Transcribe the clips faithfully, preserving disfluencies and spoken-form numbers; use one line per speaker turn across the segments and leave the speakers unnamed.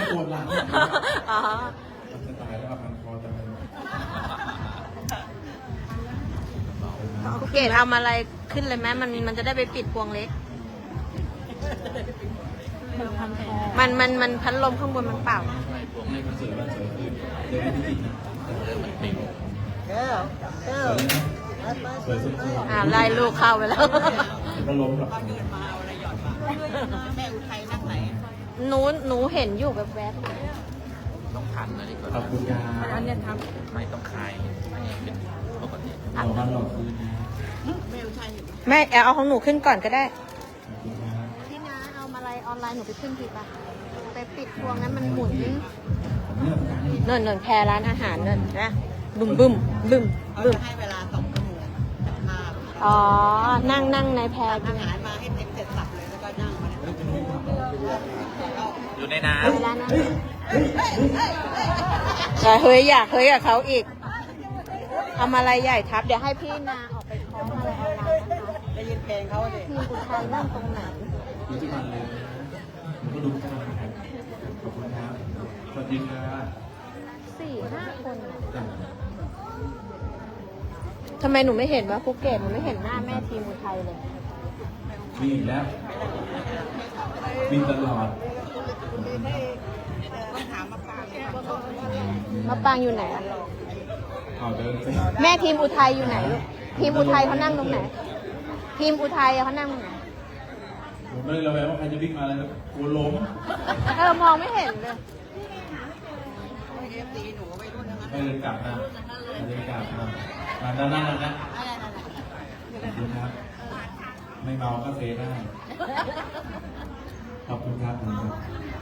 ปวดหลัง
อ๋อ
จะตายแล้วพันคอจะเป็น
ครูเกดทำอะไรขึ้นเลยไหมมันมันจะได้ไปปิดพวงเล็ก มันมันมันพัดลมข้างบนมันเปล่า
ในคอนเสิร์ตวันเสาร์คืนเดี๋ยวไม่ได้กินนะแต่มันปิวสวยสุด
อ่าไล่ลูกเข้าไปแล้ว
ๆก็ล้มหรอก
แม่อุทัยนั่งไหน
หนูหนูเห็นอยู่แบบแวบ
ต้องพันนะดีกว่า
ขอบคุณยา
อันเนี้ยท
ไม่ต้องคลายเป็นปกติ
เราบ้านหลอกคืนนะ
แม่อุทัย
ำแม่เอาของหนูขึ้นก่อนก็ได้
ขอบคุณนะ
พี่นาเอามาอะไรออนไลน์หนูไปขึ้นทีป่ะไปปิดพวงนั้นมันหมุน
ผมเลือกการให้
เนินเนินแพรร้านอาหารเนินนะบึมบึมบึม
เขา
บึม
จะให้เวลาสองชั่วโมงมา
อ๋อ นั่งนั่งในแพร
อา
กิน
หารมาให้เต็มเสร็จสับเลยแล้วก็นั่งมา
อยู่ในน้
เวลานั้นแต่เฮ้ยอยากเฮ้ยกับเขาอีกทำอะไรใหญ่ทับ เดี๋ยวให้พี่นาออกไปคล้องอะไรออนไลน์นะคะ
ได้ยินเพลงเขาเลย
ทีมอุทัยนั่งตรงไหน
ดูทุกวันเลยผมก็ดูทุกวันนะครับขอบคุณครับสวัสดีครับ
สี่ห้าคน
จ้ะ
ทำไมหนูไม่เห็นว่าภูเก็ตหนูไม่เห็นหน้าแม่ทีมอุทัยเลย
มีอีกแล้วมีตลอด
ต้องถามมาปางเนี่ย
มาปางอยู่ไหนอะ
เอาเดินสิ
แม่ทีมอุทัยอยู่ไหนลูกทีมอุทัยเขานั่งตรงไหน ทีมอุทัยเขานั่งตรงไหน
ผมไม่ได้ระแวงว่าใครจะวิ่งมาอะไรนะกลัวล้ม
เออมองไม่เห็นเลย
เอฟซีหนูไปรุ่นนั้น
ไม่เดินกลับนะไม่เดินกลับนะมาด้านหน้านะขอบคุณครับ ไม่เมาก็เซได้ ขอบคุณครับขอบคุณครับ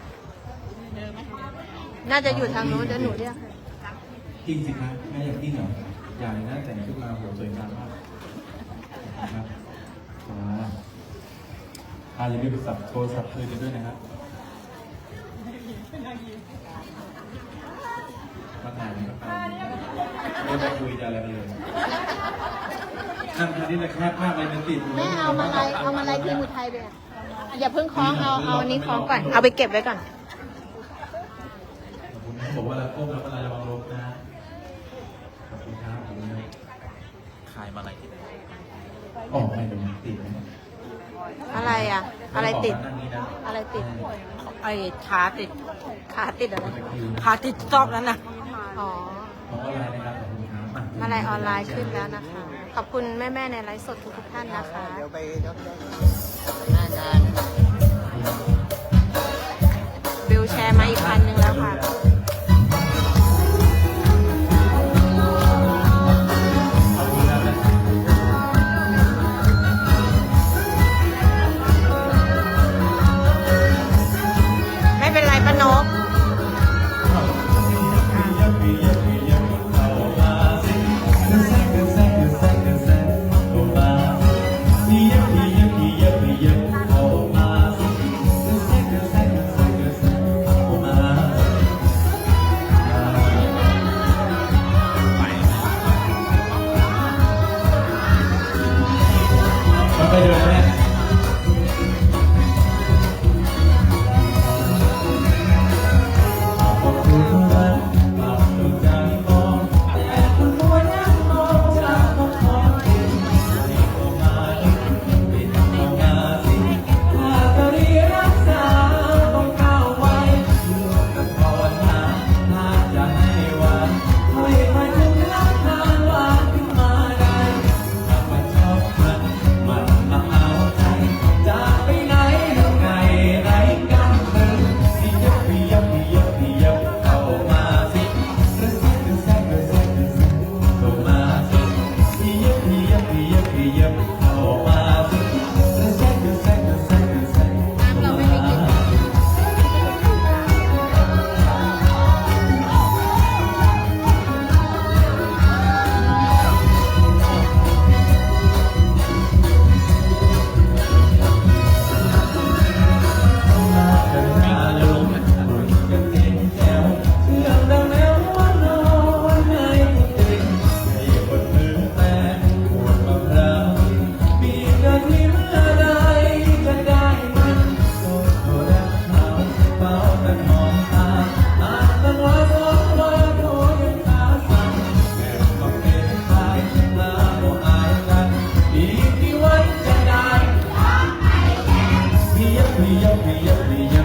น่าจะอยู่ทางนู้นเดี๋ยวหนูเรียกให้
จริงสิครับแม่อยากจริงเหรออยากเลยนะแต่งชุดมาโหสวยงามมากนะครับอ่าอ่าอย่าลืมไปสับโทรศัพท์คืนกันด้วยนะครับมาถ่ายกันไปไม่ได้คุยจะอะไรกันเลยนั่งทานนี่นะแคบมากเลยมันติด
แม่เอามาอะไรเอามาอะไรทีมอุทัยไปอ่ะอย่าเพิ่งคล้องเอาเอาอันนี้คล้องก่อนเอาไปเก็บไว้ก่อน
ผมบอกว่าเราก้มแล้วก็ระวังลมนะขอบคุณครับขอบคุณครับ
ำคลายมาอะไรที่ไหน
ออกไปตรงติดไหม
อะไรอ่ะ อะไรติด
นั่งนี้นะ
อะไรติด
ไอ้ขาติด
ขาติดอะไร
ขาติดซอกนั้นนะ
อ๋อ
ของออนไลน์นะครับขอบคุณครับ
มาลายออนไลน์ขึ้นแล้วนะคะ ขอบคุณแม่ๆในไลฟ์สดทุกๆท่านนะคะ
เดี๋ยวไปรถได้
บิลแชร์มาอีกพันหนึ่งแล้วค่ะ
ขอบคุณครับ
ไม่เป็นไรป้านก
ขยับขยับ